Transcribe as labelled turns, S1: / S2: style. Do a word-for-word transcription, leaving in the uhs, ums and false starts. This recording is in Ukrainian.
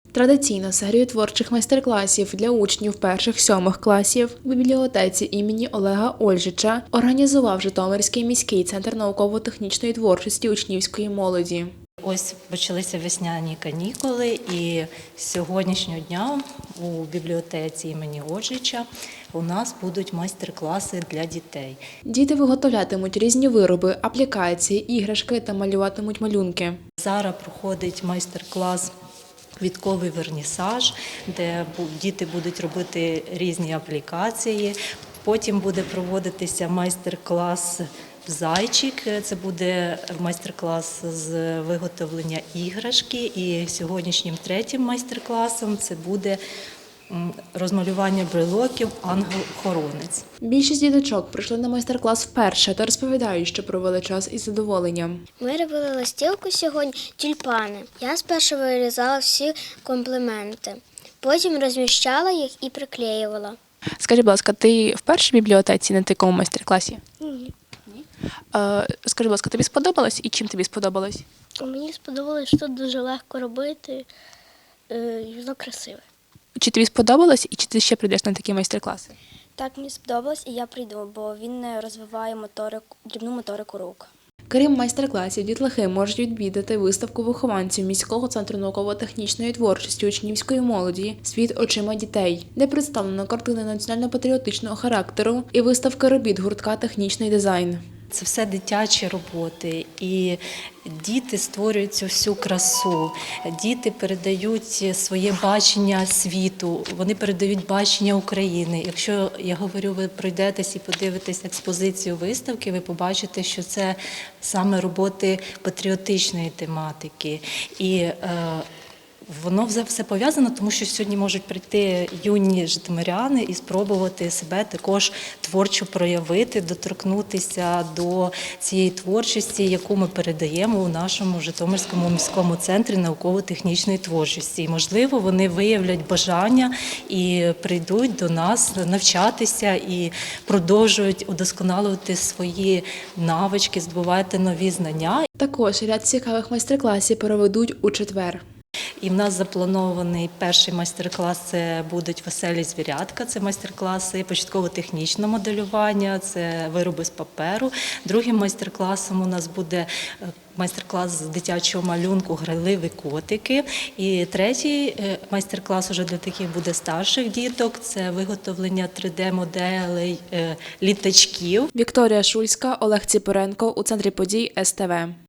S1: Традиційно серію творчих майстер-класів для учнів перших-сьомих класів в бібліотеці імені Олега Ольжича організував Житомирський міський центр науково-технічної творчості учнівської молоді.
S2: Ось почалися весняні канікули, і з сьогоднішнього дня у бібліотеці імені Ольжича у нас будуть майстер-класи для дітей.
S1: Діти виготовлятимуть різні вироби, аплікації, іграшки та малюватимуть малюнки.
S2: Зараз проходить майстер-клас «Квітковий вернісаж», де діти будуть робити різні аплікації. Потім буде проводитися майстер-клас «Зайчик», це буде майстер-клас з виготовлення іграшки. І сьогоднішнім третім майстер-класом це буде розмалювання брелоків «Ангел-хоронець».
S1: Більшість діточок прийшли на майстер-клас вперше та розповідають, що провели час із задоволенням.
S3: Ми робили листівку сьогодні тюльпани. Я спершу вирізала всі компліменти, потім розміщала їх і приклеювала.
S1: Скажи, будь ласка, ти в першій бібліотеці на такому майстер-класі?
S3: Ні.
S1: Е, скажи, будь ласка, тобі сподобалось і чим тобі сподобалось?
S3: Мені сподобалось, що тут дуже легко робити, і воно красиве.
S1: Чи тобі сподобалось і чи ти ще прийдеш на такі майстер-класи?
S3: Так, мені сподобалось і я прийду, бо він розвиває моторику, дрібну моторику рук.
S1: Крім майстер-класів, дітлахи можуть відвідати виставку вихованців міського центру науково-технічної творчості учнівської молоді «Світ очима дітей», де представлено картини національно-патріотичного характеру і виставка робіт гуртка «Технічний дизайн».
S2: Це все дитячі роботи, і діти створюють цю всю красу, діти передають своє бачення світу, вони передають бачення України. Якщо, я говорю, ви пройдетесь і подивитесь експозицію виставки, ви побачите, що це саме роботи патріотичної тематики. І е, воно все пов'язано, тому що сьогодні можуть прийти юні житомиряни і спробувати себе також творчо проявити, доторкнутися до цієї творчості, яку ми передаємо у нашому Житомирському міському центрі науково-технічної творчості. І, можливо, вони виявлять бажання і прийдуть до нас навчатися і продовжують удосконалювати свої навички, здобувати нові знання.
S1: Також ряд цікавих майстер-класів проведуть у четвер.
S2: І в нас запланований перший майстер-клас – це будуть «Веселі звірятка», це майстер-класи початково-технічного моделювання, це вироби з паперу. Другим майстер-класом у нас буде майстер-клас з дитячого малюнку «Грайливі котики». І третій майстер-клас уже для таких буде старших діток – це виготовлення три де-моделей літачків.
S1: Вікторія Шульська, Олег Ціпоренко у центрі подій ес те ве.